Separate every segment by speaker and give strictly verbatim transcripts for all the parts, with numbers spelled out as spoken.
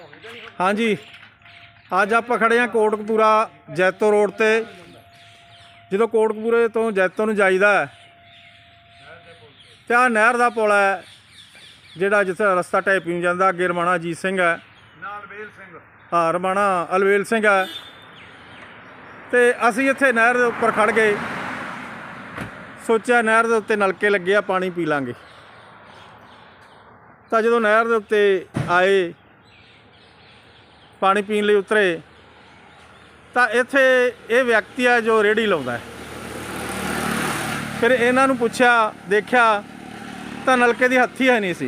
Speaker 1: हाँ जी, अज आप खड़े हैं कोटकपूरा जैतो रोड ते। जो कोटकपूरे तो जैतो नूं जाईदा है तो आ नहर का पुल है जिहड़ा जिथे रस्ता ढाई नूं जांदा। अगे रमाणा अजीत सिंह है, हाँ रमाणा अलवेल सिंह है। तो असी इत्थे नहर के उपर खड़ गए, सोचा नहर के उत्ते नलके लगे आ, पानी पी लांगे। तो जो नहर के उत्ते आए पानी पीने लिए उतरे तो इत्थे ये व्यक्ति है जो रेहड़ी लाउंदा है। फिर इन्हां नूं पुछया देखा तो नलके की हत्थी है नहीं सी।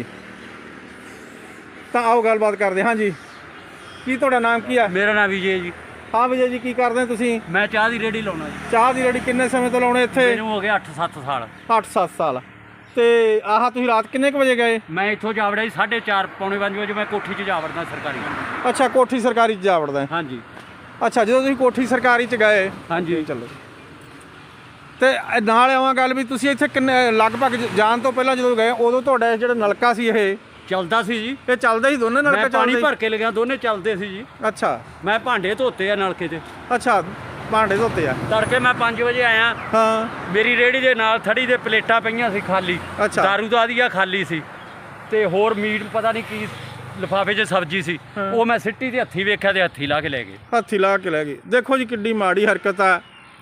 Speaker 1: तो आओ गलबात करते। हाँ जी, की तुहाडा नाम की है?
Speaker 2: मेरा नाम विजय जी।
Speaker 1: हाँ विजय जी, की करदे तुसीं?
Speaker 2: मैं चाह की रेहड़ी लाउणा जी।
Speaker 1: चाह की रेहड़ी किन्ने समय तो लाउणे इत्थे?
Speaker 2: मैनूं हो गया अठ सत्त साल।
Speaker 1: अठ सत्त साल। तो आह तुसीं रात किन्ने क बजे गए?
Speaker 2: मैं इत्थों जा वड़िया जी साढ़े चार पौने पंज बजे। मैं कोठी च जा वड़दा सरकारी।
Speaker 1: अच्छा, कोठी सरकारी च जा वड़दा है।
Speaker 2: हाँ जी।
Speaker 1: अच्छा, जो तुसीं कोठी सरकारी च गए,
Speaker 2: हाँ जी
Speaker 1: चलो तो नाल आवां गल भी तुसीं इत्थे किन्ने लगभग जाण तो पहलां जदों गए उदों तुहाडा जिहड़ा नलका सी ये
Speaker 2: चलदा सी जी।
Speaker 1: ये चलदा ही दोने नलके?
Speaker 2: मैं पानी भर के लग्या, दोने चलदे सी जी।
Speaker 1: अच्छा,
Speaker 2: मैं भांडे धोते आ नलके ते।
Speaker 1: अच्छा, भांडे धोते आ।
Speaker 2: तड़के मैं पाँच बजे आया।
Speaker 1: हाँ,
Speaker 2: मेरी रेहड़ी दे नाल थड़ी दे प्लेटां पईयां सी खाली।
Speaker 1: अच्छा।
Speaker 2: दारू दा दिया खाली सी ते होर मीट पता नहीं की लिफाफे च सब्जी सी।
Speaker 1: हाँ।
Speaker 2: वो मैं सिट्टी ते हत्थी वेख्या ते हत्थी ला के लै गए।
Speaker 1: हत्थी ला के लै गए। देखो जी किड्डी माड़ी हरकत है।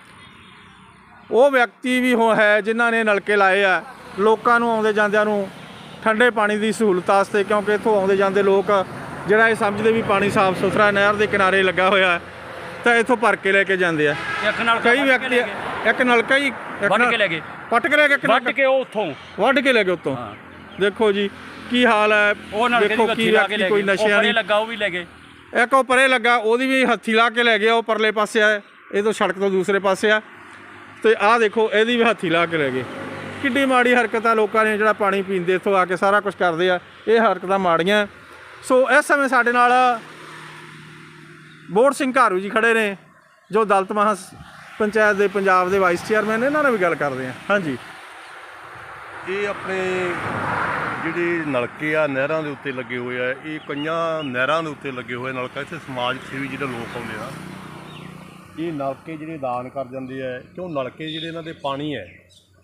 Speaker 1: वो व्यक्ति भी हो है जिन्हों ने नलके लाए आ लोगों नूं आउंदे जांदिਆਂ नूं ठंडे पानी की सहूलत वास्ते, क्योंकि इत्थों आउंदे जांदे लोग जिहड़ा ये समझते भी पानी साफ सुथरा नहर के किनारे लगा होया तो इत्थों भर के लैके जांदे आ।
Speaker 2: एक नलका
Speaker 1: कई व्यक्ति एक नलका ही
Speaker 2: वड्ढ के लै गए।
Speaker 1: पट के लैके
Speaker 2: वड्ढ के उत्थों
Speaker 1: वड्ढ के लैके उत्तों। देखो जी की हाल है।
Speaker 2: ਉਹ ਨਲਕੇ
Speaker 1: देखो
Speaker 2: ਦੀ
Speaker 1: की
Speaker 2: ਹੱਥੀ ਲਾ ਕੇ
Speaker 1: व्यक्ति
Speaker 2: ਲੈ
Speaker 1: कोई
Speaker 2: ਗਏ।
Speaker 1: नशे
Speaker 2: ਉਹ ਪਰੇ
Speaker 1: नहीं
Speaker 2: ਲੱਗਾ ਉਹ ਵੀ ਲੈ ਗਏ।
Speaker 1: एक वो परे लगा ਉਹਦੀ भी हत्थी ला के लै गया। वो परले पासे है, ये तो सड़क तो दूसरे पासे है। तो आ देखो ਇਹਦੀ भी हत्थी ला के लै गए। किड्डी माड़ी हरकत है। लोगों ने जो पानी पींदे इत्थों आके सारा कुछ करते हैं, ये हरकतां माड़ियां। सो इस समय साडे नाल बोहड़ सिंह घारू जी खड़े ने जो दलित महा पंचायत के पंजाब के वाइस चेयरमैन। इन्हां नाल भी गल करते हैं। हाँ जी,
Speaker 3: ये अपने ਜਿਹੜੇ ਨਲਕੇ ਆ ਨਹਿਰਾਂ ਦੇ ਉੱਤੇ ਲੱਗੇ ਹੋਏ ਆ, ਇਹ ਕਈਆਂ ਨਹਿਰਾਂ ਦੇ ਉੱਤੇ ਲੱਗੇ ਹੋਏ ਨਲਕਾ। ਇੱਥੇ ਸਮਾਜ ਸੇਵੀ ਜਿਹੜੇ ਲੋਕ ਆਉਂਦੇ ਆ ਇਹ ਨਲਕੇ ਜਿਹੜੇ ਦਾਨ ਕਰ ਜਾਂਦੇ ਆ, ਕਿਉਂ ਨਲਕੇ ਜਿਹੜੇ ਇਹਨਾਂ ਦੇ ਪਾਣੀ ਹੈ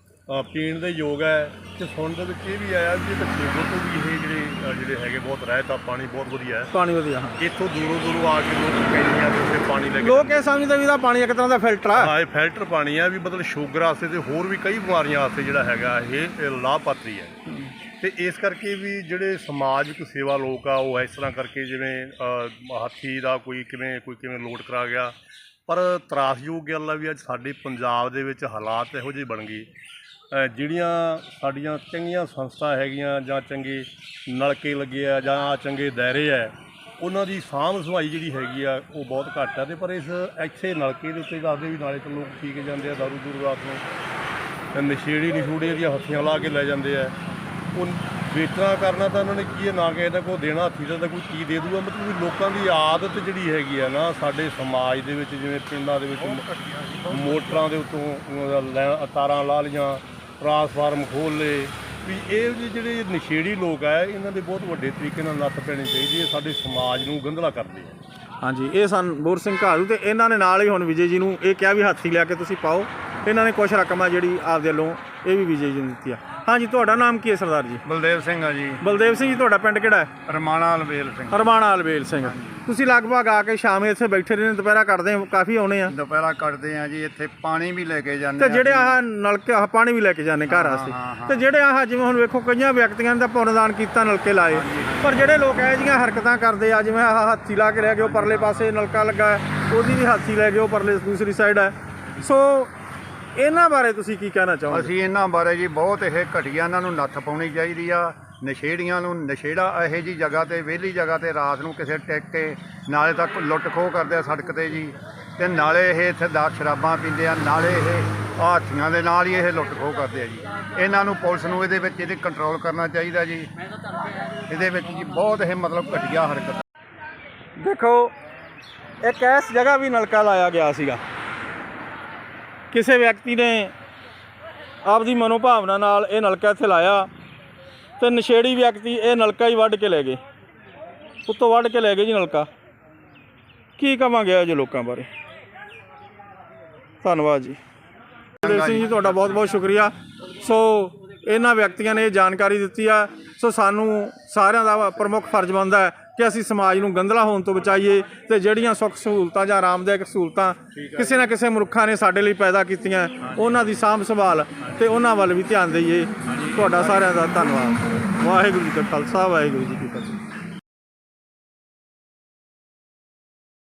Speaker 3: ਪੀਣ ਦੇ ਯੋਗ ਹੈ। ਅਤੇ ਸੁਣਨ ਦੇ ਵਿੱਚ ਇਹ ਵੀ ਆਇਆ ਵੀ ਇਹ ਖੇਤੋਂ ਤੋਂ ਵੀ ਇਹ ਜਿਹੜੇ ਜਿਹੜੇ ਹੈਗੇ ਬਹੁਤ ਰਹਿਤ ਆ, ਪਾਣੀ ਬਹੁਤ ਵਧੀਆ ਹੈ।
Speaker 1: पानी वधिया। हाँ,
Speaker 3: ਇੱਥੋਂ ਦੂਰੋਂ ਦੂਰੋਂ ਆ ਕੇ ਲੋਕ ਕੈਨੀਆਂ ਦੇ ਉੱਤੇ ਪਾਣੀ ਲੈ ਕੇ
Speaker 1: लोग ये समझते भी पानी एक तरह का फिल्टर है।
Speaker 3: ਹਾਂ, ਇਹ ਫਿਲਟਰ ਪਾਣੀ ਆ ਵੀ ਮਤਲਬ ਸ਼ੂਗਰ ਵਾਸਤੇ ਅਤੇ ਹੋਰ ਵੀ ਕਈ ਬਿਮਾਰੀਆਂ ਵਾਸਤੇ ਜਿਹੜਾ ਹੈਗਾ ਇਹ ਲਾਭਪਾਤਰੀ ਹੈ। ਅਤੇ ਇਸ ਕਰਕੇ ਵੀ ਜਿਹੜੇ ਸਮਾਜਿਕ ਸੇਵਾ ਲੋਕ ਆ ਉਹ ਇਸ ਤਰ੍ਹਾਂ ਕਰਕੇ ਜਿਵੇਂ ਹਾਥੀ ਦਾ ਕੋਈ ਕਿਵੇਂ ਕੋਈ ਕਿਵੇਂ ਲੋਡ ਕਰਾ ਗਿਆ। ਪਰ ਤਰਾਸਯੋਗ ਗੱਲ ਆ ਵੀ ਅੱਜ ਸਾਡੇ ਪੰਜਾਬ ਦੇ ਵਿੱਚ ਹਾਲਾਤ ਇਹੋ ਜਿਹੇ ਬਣ ਗਏ, ਜਿਹੜੀਆਂ ਸਾਡੀਆਂ ਚੰਗੀਆਂ ਸੰਸਥਾ ਹੈਗੀਆਂ ਜਾਂ ਚੰਗੇ ਨਲਕੇ ਲੱਗੇ ਆ ਜਾਂ ਚੰਗੇ ਦਾਇਰੇ ਹੈ, ਉਹਨਾਂ ਦੀ ਸਾਂਭ ਸੰਭਾਈ ਜਿਹੜੀ ਹੈਗੀ ਆ ਉਹ ਬਹੁਤ ਘੱਟ ਆ। ਅਤੇ ਪਰ ਇਸ ਇੱਥੇ ਨਲਕੇ ਦੇ ਉੱਤੇ ਦੱਸਦੇ ਵੀ ਨਾਲੇ ਤਾਂ ਲੋਕ ਪੀ ਕੇ ਜਾਂਦੇ ਆ ਦਾਰੂ ਦੂਰੂ ਰਾਤ ਨੂੰ, ਨਸ਼ੇੜੀ ਨਸ਼ੂੜੇ ਦੀਆਂ ਹੱਥੀਆਂ ਲਾ ਕੇ ਲੈ ਜਾਂਦੇ ਆ। ਉਹ ਵੇਚਣਾ ਕਰਨਾ ਤਾਂ ਉਹਨਾਂ ਨੇ ਕੀ ਹੈ, ਨਾ ਕਿਸੇ ਦਾ ਕੋਈ ਦੇਣਾ ਹੱਥੀ ਦਾ ਤਾਂ ਕੋਈ ਚੀਜ਼ ਦੇ ਦੂਗਾ। ਮਤਲਬ ਵੀ ਲੋਕਾਂ ਦੀ ਆਦਤ ਜਿਹੜੀ ਹੈਗੀ ਆ ਨਾ ਸਾਡੇ ਸਮਾਜ ਦੇ ਵਿੱਚ, ਜਿਵੇਂ ਪਿੰਡਾਂ ਦੇ ਵਿੱਚ ਮੋਟਰਾਂ ਦੇ ਉੱਤੋਂ ਲੈ ਤਾਰਾਂ ਲਾ ਲਈਆਂ, ਟਰਾਂਸਫਾਰਮ ਖੋਲ੍ਹ ਲਏ, ਵੀ ਇਹ ਜਿਹੜੇ ਨਸ਼ੇੜੀ ਲੋਕ ਆ ਇਹਨਾਂ ਦੇ ਬਹੁਤ ਵੱਡੇ ਤਰੀਕੇ ਨਾਲ ਨੱਥ ਪੈਣੀ ਚਾਹੀਦੀ ਹੈ। ਸਾਡੇ ਸਮਾਜ ਨੂੰ ਗੰਧਲਾ ਕਰਦੇ ਆ।
Speaker 1: हाँ जी, ये सन बोहड़ सिंह घारू। तो इन्होंने नाल ही हुण विजय जी नूं ये कहा भी हाथी लैके तुसीं पाओ। इन्होंने कुछ रकम है जिहड़ी आपदे वल्लों ये भी विजय जी नूं दित्ती है। हाँ जी, तुहाडा नाम की है सरदार जी?
Speaker 4: बलदेव सिंह है जी।
Speaker 1: बलदेव सिंह जी, तुहाडा पिंड किहड़ा है?
Speaker 4: रमाणा अलवेल सिंह।
Speaker 1: रमाणा अलवेल सिंह। तुसीं लगभग आके शाम इत्थे बैठे रहने, दुपहरा कटदे काफ़ी आउणे आ?
Speaker 4: दोपहरा कटते हैं जी। इत्थे पानी भी लेके जाने।
Speaker 1: ते जिहड़े आह नलके आह पानी भी लैके जाने घर वास्ते। ते जिहड़े आह जिवें हुण वेखो कईयां व्यक्तियां ने तां पुन्नदान कीता, नलके लाए, पर जिहड़े लोक इहो जिहियां हरकतां करदे आ, जिवें आह हाथी ला के लै गए, परले पासे नलका लगा है, ਉਹਦੀ भी हाथी लै गए, परले दूसरी साइड है। सो ਇਹਨਾਂ ਬਾਰੇ ਤੁਸੀਂ ਕੀ ਕਹਿਣਾ ਚਾਹੋਗੇ?
Speaker 4: ਅਸੀਂ ਇਹਨਾਂ ਬਾਰੇ ਜੀ ਬਹੁਤ ਇਹ ਘਟੀਆ, ਇਹਨਾਂ ਨੂੰ ਨੱਥ ਪਾਉਣੀ ਚਾਹੀਦੀ ਆ। ਨਸ਼ੇੜੀਆਂ ਨੂੰ, ਨਸ਼ੇੜਾ ਇਹੋ ਜਿਹੀ ਜਗ੍ਹਾ 'ਤੇ ਵਿਹਲੀ ਜਗ੍ਹਾ 'ਤੇ ਰਾਤ ਨੂੰ ਕਿਸੇ ਟਿਕ ਕੇ ਨਾਲੇ ਤੱਕ ਲੁੱਟ ਖੋਹ ਕਰਦੇ ਆ ਸੜਕ 'ਤੇ ਜੀ, ਅਤੇ ਨਾਲੇ ਇਹ ਇੱਥੇ ਦਾ ਸ਼ਰਾਬਾਂ ਪੀਂਦੇ ਆ, ਨਾਲੇ ਇਹ ਹਾਥੀਆਂ ਦੇ ਨਾਲ ਹੀ ਇਹ ਲੁੱਟ ਖੋਹ ਕਰਦੇ ਆ ਜੀ। ਇਹਨਾਂ ਨੂੰ ਪੁਲਿਸ ਨੂੰ ਇਹਦੇ ਵਿੱਚ ਇਹਦੇ ਕੰਟਰੋਲ ਕਰਨਾ ਚਾਹੀਦਾ ਜੀ। ਇਹਦੇ ਵਿੱਚ ਜੀ ਬਹੁਤ ਇਹ ਮਤਲਬ ਘਟੀਆ ਹਰਕਤ।
Speaker 1: देखो एक इस जगह भी नलका लाया गया सीगा, किसी व्यक्ति ने आपकी मनोभावना नाल ये नलका इत्थे लाया तो नशेड़ी व्यक्ति ये नलका ही वढ़ के ले गए। ਉੱਤੋਂ ਵੱਢ ਕੇ ਲੈ ਗਏ ਜੀ ਨਲਕਾ। ਕੀ ਕਵਾਂਗੇ ਜੀ ਲੋਕਾਂ ਬਾਰੇ। ਧੰਨਵਾਦ ਜੀ ਸੁਖਦੇਵ ਸਿੰਘ ਜੀ, ਤੁਹਾਡਾ ਬਹੁਤ ਬਹੁਤ ਸ਼ੁਕਰੀਆ। ਸੋ ਇਹਨਾਂ ਵਿਅਕਤੀਆਂ ਨੇ ਇਹ ਜਾਣਕਾਰੀ ਦਿੱਤੀ ਆ। ਸੋ ਸਾਨੂੰ ਸਾਰਿਆਂ ਦਾ ਪ੍ਰਮੁੱਖ ਫਰਜ਼ ਬਣਦਾ ਹੈ ਕਿ ਅਸੀਂ ਸਮਾਜ ਨੂੰ ਗੰਦਲਾ ਹੋਣ ਤੋਂ ਬਚਾਈਏ ਅਤੇ ਜਿਹੜੀਆਂ ਸੁੱਖ ਸਹੂਲਤਾਂ ਜਾਂ ਆਰਾਮਦਾਇਕ ਸਹੂਲਤਾਂ ਕਿਸੇ ਨਾ ਕਿਸੇ ਮਨੁੱਖਾਂ ਨੇ ਸਾਡੇ ਲਈ ਪੈਦਾ ਕੀਤੀਆਂ, ਉਹਨਾਂ ਦੀ ਸਾਂਭ ਸੰਭਾਲ ਅਤੇ ਉਹਨਾਂ ਵੱਲ ਵੀ ਧਿਆਨ ਦੇਈਏ। ਤੁਹਾਡਾ ਸਾਰਿਆਂ ਦਾ ਧੰਨਵਾਦ। ਵਾਹਿਗੁਰੂ ਜੀ ਕਾ ਖਾਲਸਾ, ਵਾਹਿਗੁਰੂ ਜੀ ਕੀ ਫਤਿਹ।